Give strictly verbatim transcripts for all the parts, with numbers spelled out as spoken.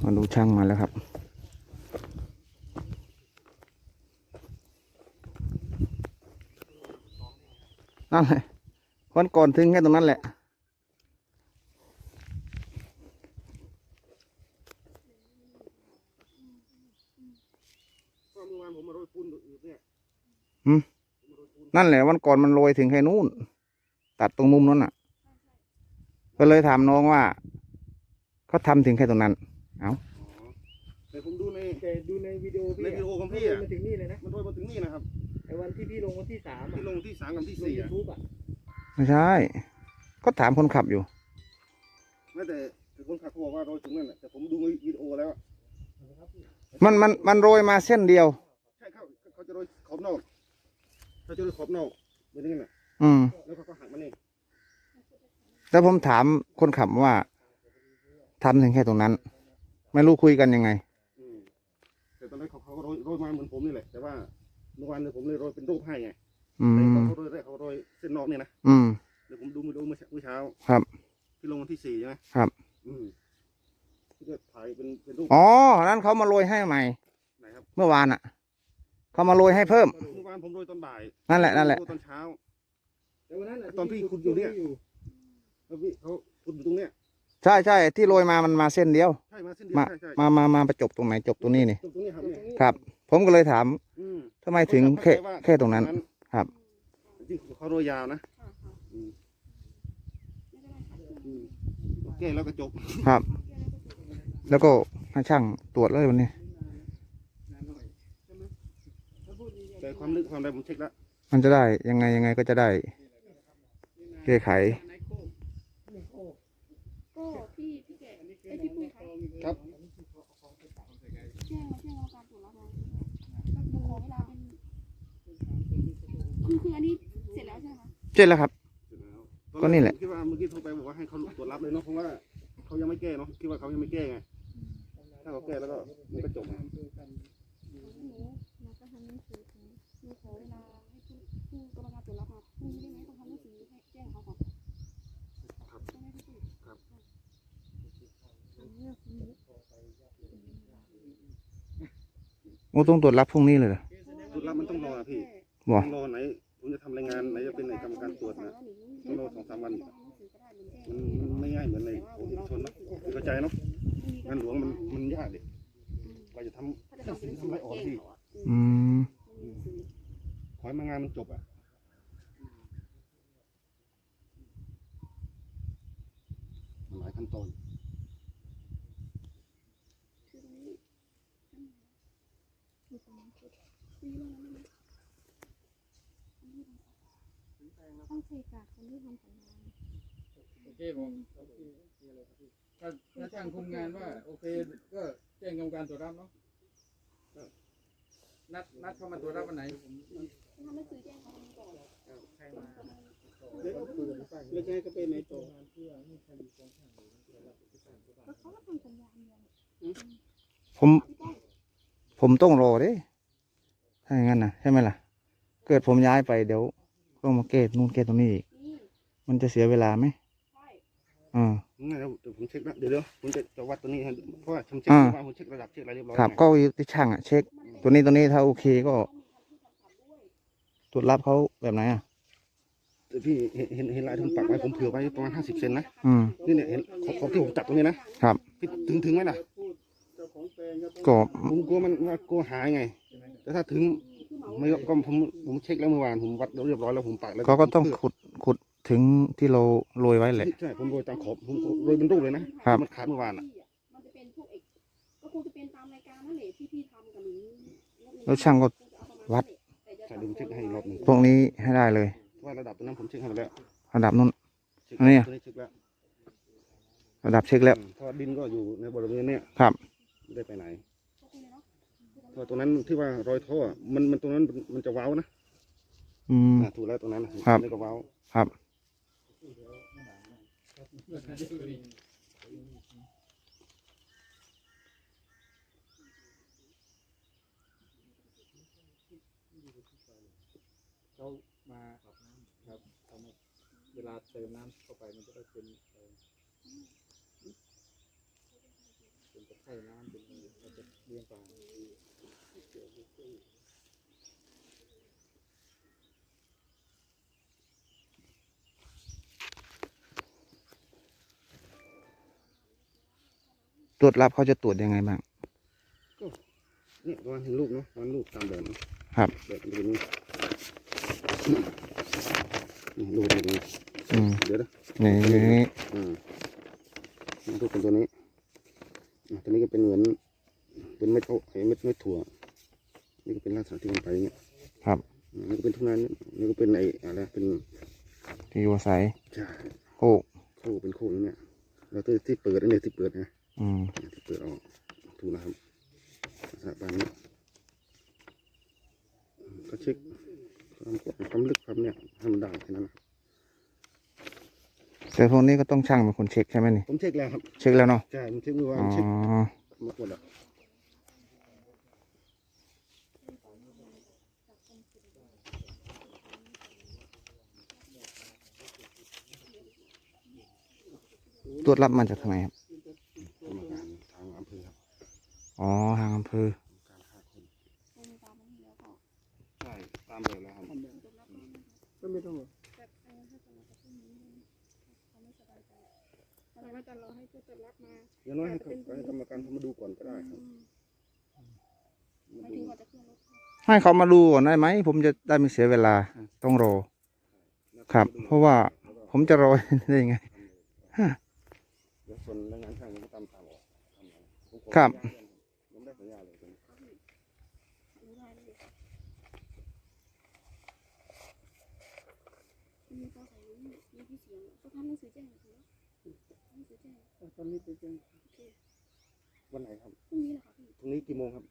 มาดูช่างมาแล้วครับนั่นแหละวันก่อนถึงแค่ตรงนั้นแหละอืมนั่นแหละวันก่อนมันโรยถึงแค่นู้นตัดตรงมุมนั้นอ่ะก็เลยถามน้องว่าเขาทำถึงแค่ตรงนั้นเอ้าแต่ผมดูในแต่ดูในวิดีโอพี่ในวิดีโอของพี่อะอะมาถึงนี่เลยนะมันโรยมาถึงนี่นะครับไอ้วันที่พี่ลงวันที่สามอะที่ลงที่สามกับที่ลงสี่ยูอะทูบอะไม่ใช่ก็ถามคนขับอยู่ไม่แต่แต่คนขับเขาบอกว่าโรยถึงนั่นแหละแต่ผมดูในวิดีโอแล้วอะมันมันมันโรยมาเส้นเดียวใช่เขาเขาจะโรยขอบนอกเขาจะโรยขอบนอกเป็นอย่างนั้นแหละอืมแล้วเขาก็หักมานี่แล้วผมถามคนขับว่าทำถึงแค่ตรงนั้น ไม่รู้คุยกันยังไงอืมแต่ตอนแรกเขาเขาก็โรยโรยมาเหมือนผมนี่แหละแต่ว่าเมื่อวานเนี่ยผมเลยโรยเป็นรูปให้ไงอืแต่มตอนเขาโรยแรกเขาโรยเส้นนอกนี่นะอืมเดี๋ยวผมดูมาดูเมื่อเช้าเมื่อเช้าครับที่ลงวันที่สี่ใช่ไหมครับอืมที่จะถ่ายเป็นเป็นรูปอ๋อนั้นเขามาโรยให้ใหม่ไหนครับเมื่อวานอ่ะเขามาโรยให้เพิ่มเมื่อวานผมโรยตอนบ่ายนั่นแหละนั่นแหละโรยตอนเช้าแต่วันนั้นอะตอนพี่ขุดอยู่เนี่ย แล้วพี่เขาขุดอยู่ตรงเนี้ยใช่ใช่ที่โรยมามันมาเส้นเดียวใช่มาเส้นเดียวมาใช่ใช่มามามาประจบตรงไหนจบตรงนี้นี่ตรงตรงนี้ครับเนี่ยครับ ผมก็เลยถามอืมทำไมถึงแค่แค่ตรงนั้น ครับจริงๆเขาโรยยาวนะอืมอืมโอเคแล้วก็จบครับ แล้วก็ให้ช่างตรวจเลยวันนี้แต่ความลึกความอะไรผมเช็คแล้วมันจะได้ยังไงยังไงก็จะได้แก้ไขก็พี่พี่แกไอยพี่ปุ้ยคะครับแจ้งมาแจ้งกรรมการตรวจรับแล้วก็ขอเวลาเป็นคือคืออันนี้เสร็จแล้วใช่ไหมคะเจ็ดแล้วครับเสร็จแล้วก็นี่แหละคิดว่าเมื่อกี้โทรไปบอกว่าให้เขาตรวจรับเลยเนาะเพราะว่าเขายังไม่แก้เนาะคิดว่าเขายังไม่แก้ไงถ้าเขาแก้แล้วก็มันก็จบไงหนูหนูก็ทำหนังสือถึงหนูขอเวลาให้ผู้ผู้กรรมการตรวจรับมาพรุ่งนี้ได้ไหมต้องทำหนังสือให้แจ้งเขาก่อนครับได้ไหมพี่ปุ้ยครับโอ้ต้องตรวจรับพรุ่งนี้เลยเหรอตรวจรับมันต้องรอนะพี่บอต้องรอไหนผมจะทำรายงานไหนจะเป็นในกรรมการตรวจนะต้องรอสองสามวันอีกมันมันไม่ง่ายเหมือนในโอชนนะเข้าใจเนาะงานหลวงมันมันยากดิเราจะทำทำสิ่งทำอะไรออกพี่อืมขอให้มางานมันจบอ่ะมันหลายขั้นตอนต้องเช็คจากคนที่ทำสัญญาโอเคผมถ้าถ้าช่างคุมงานว่าโอเคก็แจ้งกรรมการตรวจรับเนาะนัดนัดเข้ามาตรวจรับวันไหนผมทำหนังสือแจ้งเขาก่อนใครมาแล้วจะให้ก็เป็นในตัวก็เขาก็ทำสัญญาเงินผม ผมต้องรอเด้ถ้าอย่างนั้นนะใช่ไหมล่ะ เกิดผมย้ายไปเดี๋ยวต้องมาเกตนู่นเกตตรงนี้อีกนี่มันจะเสียเวลาไหมใช่อ่างั้นเดี๋ยวเดี๋ยวผมเช็คนะเดี๋ยวเดี๋ยวผมจะจะวัดตัวนี้ให้เพราะว่าผมเช็คอ่าว่าผมเช็คระดับเช็คอะไรเรียบร้อยครับไงก็อยู่ที่ช่างอ่ะเช็ค ตัวนี้ตัวนี้ถ้าโอเคก็ตรวจรับเขาแบบไหนอ่ะแต่พี่เห็นเห็นเห็นลายที่ผมปักไว้ผมเผื่อไว้ประมาณห้าสิบเซนนะอืมนี่เนี่ยเห็นขอบขอบที่ผมจับตรงนี้นะครับ พี่ถึงถึงไหมล่ะก็ผมกลัวมันว่ากลัวหายไง แต่ถ้าถึงไม่ก็ผมผมเช็คแล้วเมื่อวานผมวัดเรียบร้อยแล้วผมปักแล้วเขาก็ต้องเพื่ขุดขุดถึงที่เราโรยไว้แหละใช่ผมโรยตามขอบผมโรยเป็นรูปเลยนะครับ มันขาดเมื่อวานอ่ะมันจะเป็นพวกเอกก็คงจะเป็นตามรายการนั่นแหละที่พี่ทำกับหนูแล้วช่างก็วัดใช่เดี๋ยวผมเช็คให้อีกรอบหนึ่งพวกนี้ให้ได้เลยเพราะว่าระดับตัวนั้นผมเช็คให้หมดแล้วระดับนู้นเช็คอันนี้อะตัวนี้เช็คแล้วระดับเช็คแล้วอืมเพราะว่าดินก็อยู่ในบริเวณเนี้ยครับไม่ได้ไปไหนเพราะตรงนั้นที่ว่ารอยท่ออะมันมันตรงนั้นมันมันจะเว้านะอืมอ่ะถูกแล้วตรงนั้นน่ะครับนี่ก็เว้าครับเขามาครับเขามาเวลาเติมน้ำเข้าไปมันจะได้เป็นเอ่อเป็นตะไคร่น้ำเป็นเราจะเลี้ยงปลาตรวจรับเขาจะตรวจยังไงบ้างนี่ประมาณถึงลูกเนาะประมาณลูกตามแบบนะครับ แบบมันเป็นนี่นี่ลูกเป็นอย่างนี้อืมเดี๋ยวนะนี่อืมลูกเป็นตัวนี้อ่ะตัวนี้ก็เป็นเหมือนเป็นเม็ดโอ้ไอ้เม็ดเม็ดถั่วนี่ก็เป็นลักษณะที่มันไปอย่างเงี้ยครับอืมนี่ก็เป็นทุ่งนานี่ก็เป็นไอ้อะไรเป็นที่อยู่อาศัยใช่โคกโค้เป็นโค้อย่างเนี้ยแล้วที่ที่เปิดอันนี้ที่เปิดนะอืมที่เปิดออกถูกนะครับลักษณะแบบนี้อืมก็เช็คความกว้างความลึกความเนี่ยให้มันได้แค่นั้นนะแต่พวกนี้ก็ต้องช่างเป็นคนเช็คใช่ไหมนี่ผมเช็คแล้วครับเช็คแล้วเนาะใช่ผมเช็คเมื่อวานอ๋อเช็คหมดหมดแล้วตรวจรับมาจากทางไหนครับกรรมการทางอำเภอครับอ๋อทางอำเภอการห้าคนโรงตามมันแล้วก็ใช่ตามแบบแล้วครับก็ไม่ต้องหรอกแต่เออถ้าจะมาจะพรุ่งนี้เขาไม่สบายใจอะไรว่าจะรอให้ผู้ตรวจรับมาอย่างน้อยให้เขาให้กรรมการเขามาดูก่อนก็ได้ครับไม่ถึงก่อนจะขึ้นรถให้เขามาดูก่อนได้ไหมผมจะได้ไม่เสียเวลาต้องรอ ครับ เพราะว่าผมจะรอได้ยังไงเดี๋ยวส่วนแรงงานช่างมันก็ตามตามออกทำเอาผมขอครับผมได้สัญญาเลยตรงนี้รู้ได้เลยมีก็ใส่รู้มีพี่เสียงก็ทำหนังสือแจ้งนะคะหนังสือแจ้งตอนนี้ไปแจ้งโอเควันไหนครับพรุ่งนี้แหละค่ะพี่พรุ่งนี้กี่โมงครับ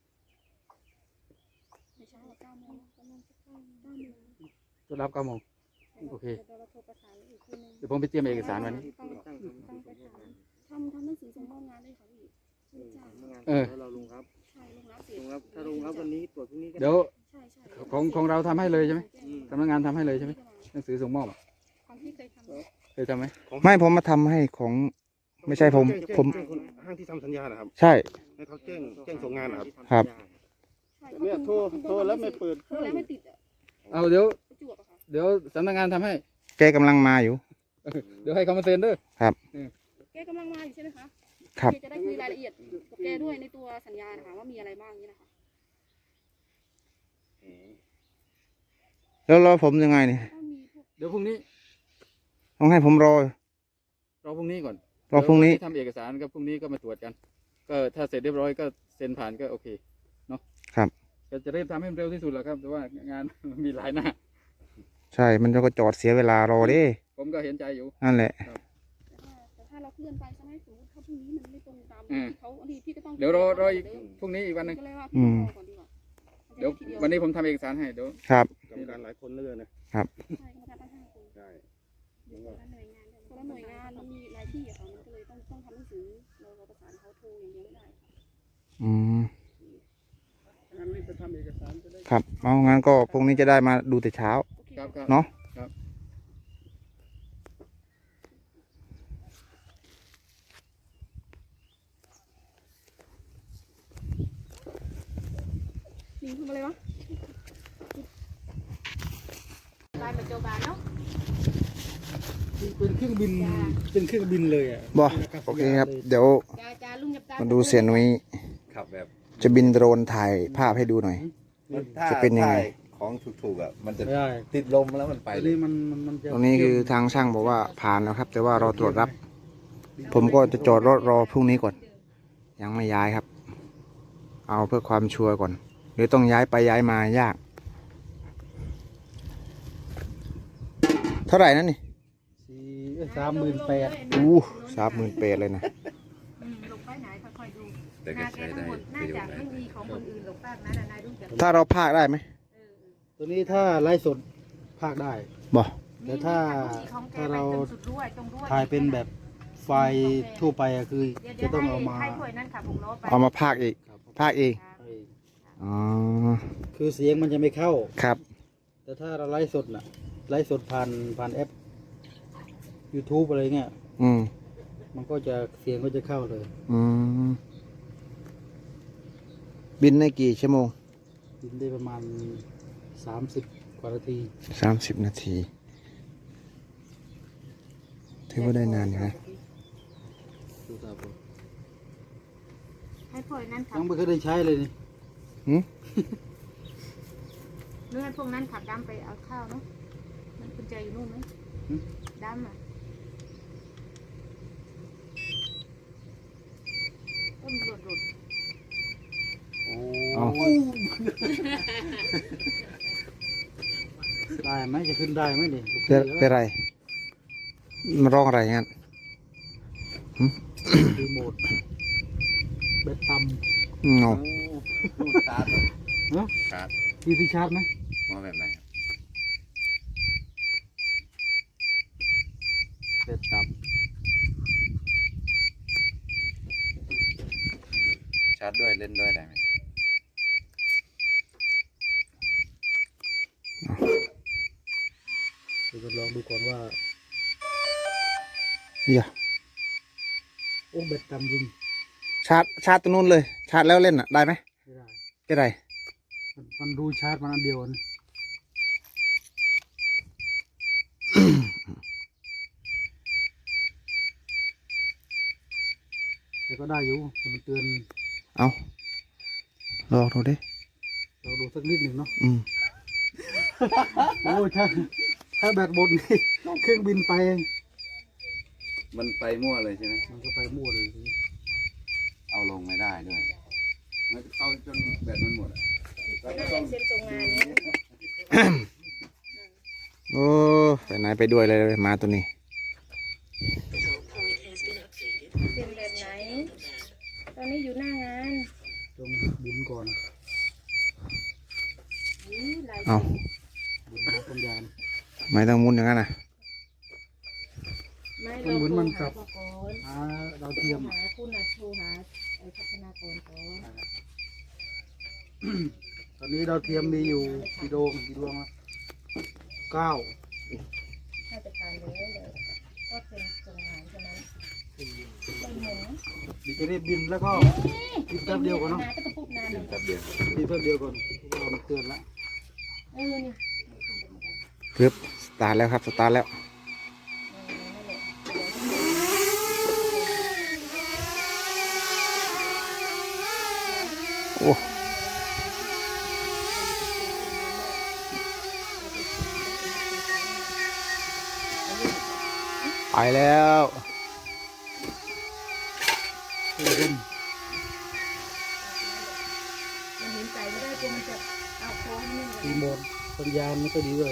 ในเช้าเก้าโมงประมาณสักเก้าโมงเก้าโมงตรวจรับเก้าโมง โอเคเดี๋ยวเราโทรประสานอีกทีนึงเดี๋ยวผมไปเตรียมเอกสารวันนี้ต้องต้องประสานทำทำหนังสือส่งมอบงานด้วยค่ะพี่ไม่จ้างงานเออแล้วเราลงรับใช่ลงรับเสร็จลงรับถ้าลงรับวันนี้ตรวจพรุ่งนี้ก็เดี๋ยวใช่ใช่ของของเราทำให้เลยใช่ไหมสำนักงานทำให้เลยใช่ไหมหนังสือส่งมอบอะของพี่เคยทำเคยทำไหมไม่ผมมาทำให้ของ ไม่ใช่ผมแจ้งผมแจ้งคนห้างที่ทำสัญญานะครับใช่ให้เขาแจ้งแจ้งส่งงานนะครับครับใช่เนี่ยโทรโทรแล้วไม่เปิดโทรแล้วไม่ติดอ่ะเอาเดี๋ยวประจวบอะค่ะเดี๋ยวสำนักงานทำให้แกกำลังมาอยู่เดี๋ยวให้เขามาเซ็นเด้วยแกกำลังมาอยู่ใช่ไหมคะครับแกจะได้คุยรายละเอียดกับแกด้วยในตัวสัญญานะคะว่ามีอะไรบ้างนี่นะคะแล้วรอผมยังไงนี่ก็มีพวกเดี๋ยวพรุ่งนี้ต้องให้ผมรอรอพรุ่งนี้ก่อนรอพรุ่งนี้เดี๋ยววันทำเอกสารก็พรุ่งนี้ก็มาตรวจกัน ก็ถ้าเสร็จเรียบร้อยก็เซ็นผ่านก็โอเคเนาะครับก็จะเริ่มทำให้มันเร็วที่สุดแหละครับ แต่ว่างาน มีหลายหน้าใช่ มันจะก็จอดเสียเวลารอเด้ผมก็เห็นใจอยู่นั่นแหละแต่ถ้าแต่ถ้าเราเคลื่อนไปใช่ไหมสมมติถ้าพรุ่งนี้มันไม่ตรงตามอืมที่เขาอันนี้พี่ก็ต้องเดี๋ยวรอรออีกพรุ่งนี้อีกวันหนึงก็เลยว่าอืพี่มรอก่อนดีกว่าเดี๋ยวจะไทีวันนี้ผมทำเอกสารให้เดี๋ยวครับกรรมการหลายคนเลยนะใช่กรรมการตั้งห้าคนใช่คนละหน่วยงานคนละหน่วยงานมันมีหลายที่อะค่ะมันก็เลยต้องต้องทำหนังสือเราเราประสานเขาโทรอย่างเดียวไม่ได้ค่ะอืมงั้นรีบไปทำเอกสารจะได้ครับ เอางั้นก็พรุ่งนี้จะได้มาดูแต่เช้าโอเคครับครับเนาะครับลิงทำอะไรวะเป็นเครื่องบินเป็นเครื่องบินเลยอ่ะบอโอเคครับ เดี๋ยวจ้าจ้าลุงหยับตามาดูเสียนุ้ยขับแบบจะบินโดรนถ่ายภาพให้ดูหน่อยถ้าจะเป็นยังไงถ้าของถูกๆอ่ะมันจะไม่ได้ติดลมแล้วมันไปอันเลนี้ยมันมันมันจะตรงนี้คือทางช่างบอกว่าผ่านแล้วครับ แต่ว่ารอตรวจรับ ผมก็จะจอดรถรอพรุ่งนี้ก่อน ยังไม่ย้ายครับ เอาเพื่อความชัวร์ก่อนหรือต้องย้ายไปย้ายมายาก เท่าไหร่นั่นนี่สี่สามหมื่นแปดอู้สามหมื่นเปดเลยนะลงไปไหนค่อยๆดูแต่ก็ใช้ได้น่าประโยจะชน์ได้ไม่มีของคนอื่นหรอกป้านั้นนายดูจากถ้าเราพากได้ไหมตัวนี้ถ้าไลฟ์สดภาคได้บอแต่ถ้าถ้าเราถ่ายเป็นแบบไฟล์ทั่วไปอะคือจะต้องเอามาให้ถ้วยนั้นค่ะผมล้อไปเอามาพากอีก พากเอง อ๋อคือเสียงมันจะไม่เข้าครับแต่ถ้าเราไลฟ์สดน่ะไลฟ์สดผ่านผ่านแอป YouTube อะไรเงี้ยอืมมันก็จะเสียงก็จะเข้าเลยอืมบินในกี่ชั่วโมงบินได้ประมาณสามสิบกว่านาทีสามสิบนาทีถือว่าได้นานอยู่นะดูตาผมให้พวกนั้นขัยับงไม่เคยได้ใช้เลยนี่หืมเรื่องให้พวกนั้นขับดำไปเอาข้าวเนาะมันกุญแจอยู่นู่นไหมดำอ่ะต้นหลุดหลุดเอาได้ไหมจะขึ้นได้ไหมเนี่ยเป็นเป็นไรมันร้องอะไรงั้นรีโมทแบตต่เงารูดชาร์จเหรอำเนาะชาร์จมีที่ชาร์จไหมมาแบบไหนแบตต่ชาร์จด้วยเล่นด้วยได้ไหมำเดี๋ยวจะลองดูก่อนว่าเดี๋ยวโอ้แบตต่ำจริงชาร์จชาร์จตรงนู้นเลย ชาร์จแล้วเล่นอ่ะได้ไหมไม่ได้ไม่ได้มันมันดูชาร์จมันอันเดียวนี่ แต่ก็ได้อยู่แต่มันเตือนเอาลองดูดิเราดูสักนิดหนึ่งเนาะอืมโอ้ยถ้าถ้าแบตหมดนี่เครื่องบินไปมันไปมั่วเลยใช่ไหมมันก็ไปมั่วเลยทีนี้เอาลงไม่ได้ด้วยมันเอาจนแบตมันหมดอะแล้วก็ต้องเซ็นตรงงานนี้โอ้ไปไหนไปด้วยเลยมาตัวนี้เซ็นแบบไหน ตอนนี้อยู่หน้างานต้องบุญก่อนอุ๊ยหลายเอาบุญหาปัญญาณไม่ต้องมุนอย่างนั้นนะไม่มันเหมือนมันกับเราโทรหาก่อนหาดาวเทียมหาคุณนะโทรหาไอ้พัฒนากรก่อนตอนนี้ดาวเทียมมีอยู่กี่ดวงกี่ดวงอะเก้าถ้าจะผ่านเลยเลยก็เป็นตรงงานเท่านั้นไม่เหมือนดิจะรีบบินแล้วก็บินแป๊บเดียวก่อนเนาะนาก็จะพูดนานเลยแป๊บเดียวบินแป๊บเดียวก่อนเพราะว่ามันเตือนละเออนี่ปึ๊บสตาร์ทแล้วครับสตาร์ทแล้ว โอ้ไปแล้วเตือนมันเห็นใจไม่ได้กลัวมันจะเอาโค้งนี่รีโมทสัญญาณไม่ค่อยดีเลย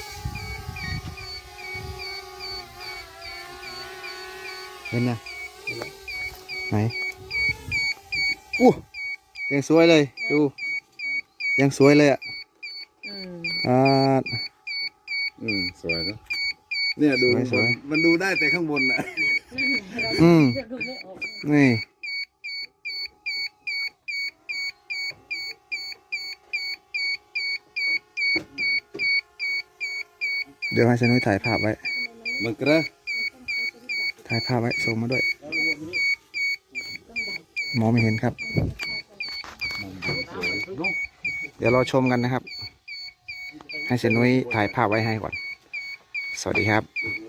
เห็นยังไหนอู้ยังสวยเลย ดู ยังสวยเลยอ่ะอืมอ่าอืมสวยเนอะเนี่ยดูสวยๆมันดูได้แต่ข้างบนน่ะอืมจะดูไม่ออกนี่ เดี๋ยวให้ชนุยถ่ายภาพไว้มันกระถ่ายภาพไว้ส่งมาด้วย มองไม่เห็นครับ เดี๋ยวเราชมกันนะครับ ให้เซนุยถ่ายภาพไว้ให้ก่อน สวัสดีครับ